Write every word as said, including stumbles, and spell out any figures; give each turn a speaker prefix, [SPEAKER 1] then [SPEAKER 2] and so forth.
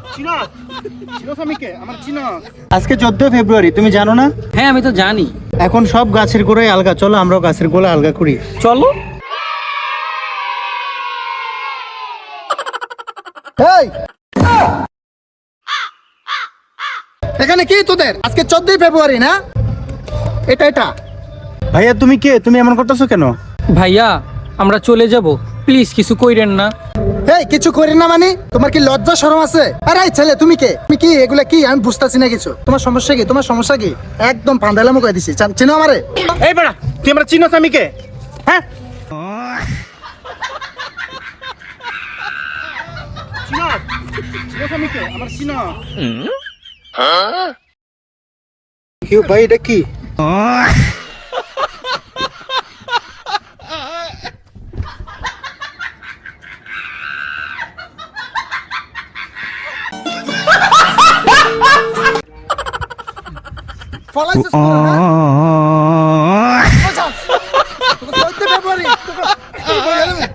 [SPEAKER 1] আজকে চোদ্দই ফেব্রুয়ারি, তুমি জানো না?
[SPEAKER 2] হ্যাঁ আমি তো জানি।
[SPEAKER 1] এখন সব গাছের গোড়ায় আলগা, চলো আমরাও গাছের গোড়া আলগা করি।
[SPEAKER 2] চলো।
[SPEAKER 3] এই এখানে কি তোদের? আজকে চোদ্দই ফেব্রুয়ারি না? এটা এটা
[SPEAKER 1] ভাইয়া তুমি কে? তুমি এমন করতেছো কেন?
[SPEAKER 2] ভাইয়া আমরা চলে যাব, প্লিজ কিছু কইরেন না।
[SPEAKER 3] এই কিছু করি না মানে? তোমার কি লজ্জা শরম আছে? আরে এই ছেলে তুমি কে? তুমি কি এগুলা কি? আমি বুঝতাছি না কিছু। তোমার সমস্যা কি? তোমার সমস্যা কি? একদম ফান্দালামো কই দিছি। চান- চিনো আমারে?
[SPEAKER 1] এই বেড়া, তুই আমরা চিনোস আমি কে? হ্যাঁ, চিনোস? চিনোস আমি কে? আমার চিনোস? কি ভাই, এটা কি?
[SPEAKER 3] ফলাইছিস তোরা না? চোদ্দই ফেব্রুয়ারি তোকে-